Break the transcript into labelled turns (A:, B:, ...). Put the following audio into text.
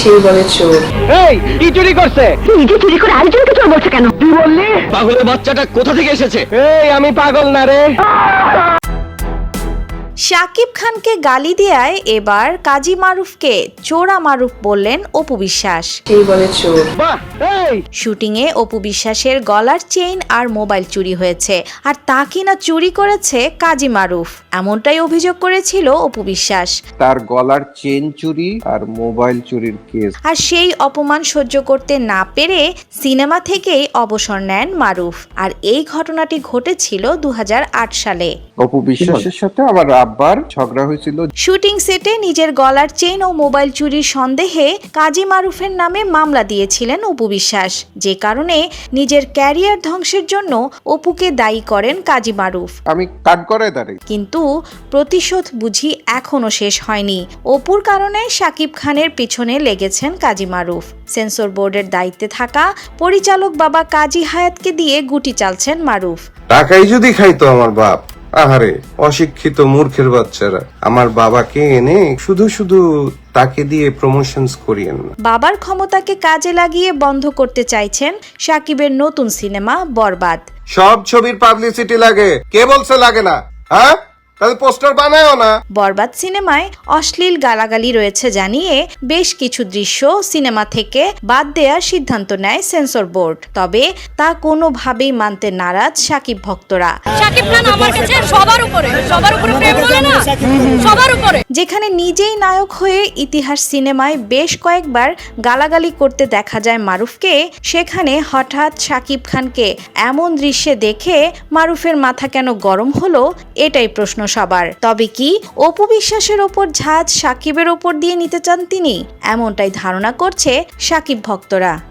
A: সেই বলে চোর।
B: এই কি চুরি করছে?
C: নিজে চুরি করে আরেকজনকে চোর বলছে কেন?
B: তুই বললি
D: পাগলের বাচ্চাটা কোথা থেকে এসেছে?
B: এই আমি পাগল না রে।
E: শাকিব খানকে গালি দেয়ায় এবার কাজী মারুফকে চোরা মারুফ বললেন অপু বিশ্বাস।
A: সেই বলে চোর।
B: বাহ, এই
E: শুটিংয়ে অপু বিশ্বাসের গলার চেইন আর মোবাইল চুরি হয়েছে, আর তা কিনা চুরি করেছে কাজী মারুফ, এমনটাই অভিযোগ করেছিল অপু বিশ্বাস।
F: তার গলার চেন চুরি আর মোবাইল চুরির কেস।
E: আর সেই অপমান সহ্য করতে না পেরে সিনেমা থেকেই অবসর নেন মারুফ। আর এই ঘটনাটি ঘটেছিল 2008 সালে।
F: অপু বিশ্বাসের সাথে আমার আব্বার ঝগড়া হয়েছিল।
E: শুটিং সেটে নিজের গলার চেইন ও মোবাইল চুরির সন্দেহে কাজী মারুফের নামে মামলা দিয়েছিলেন অপু বিশ্বাস, যে কারণে নিজের ক্যারিয়ার ধ্বংসের জন্য অপুকে দায়ী করেন কাজী মারুফ।
F: আমি কাট করে দাঁড়াই।
E: কিন্তু প্রতিশোধ বুঝি এখনো শেষ হয়নি। অপুর কারণে শাকিব খানের পিছনে লেগেছেন কাজী মারুফ। সেন্সর বোর্ডের দায়িত্বে থাকা পরিচালক বাবা কাজী হায়াতকে দিয়ে গুটি চালছেন মারুফ।
G: টাকাই যদি খাইতো আমার বাপ, আহারে অশিক্ষিত মূর্খের বাচ্চারা, আমার বাবাকে এনে শুধু শুধু তাকে দিয়ে প্রমোশনস করিয়েন না।
E: বাবার ক্ষমতাকে কাজে লাগিয়ে বন্ধ করতে চাইছেন শাকিবের নতুন সিনেমা বরবাদ।
G: সব ছবির পাবলিসিটি লাগে, কে বলছে লাগে না? হ্যাঁ, তাহলে পোস্টার বানায়ও না।
E: বরবাদ সিনেমায় অশ্লীল গালাগালি রয়েছে জানিয়ে বেশ কিছু দৃশ্য সিনেমা থেকে বাদ দেওয়ার সিদ্ধান্ত নেয় সেন্সর বোর্ড। তবে তা কোনোভাবেই মানতে নারাজ শাকিব ভক্তরা।
C: শাকিব খান আমার কাছে সবার উপরে প্রেম বলে না, সবার উপরে।
E: যেখানে নিজেই নায়ক হয়ে ইতিহাস সিনেমায় বেশ কয়েকবার গালাগালি করতে দেখা যায় মারুফকে, সেখানে হঠাৎ শাকিব খানকে এমন দৃশ্যে দেখে মারুফের মাথা কেন গরম হলো, এটাই প্রশ্ন সবার। তবে কি অপু বিশ্বাসের ওপর ঝাঁজ শাকিবের ওপর দিয়ে নিতে চান তিনি? এমনটাই ধারণা করছে শাকিব ভক্তরা।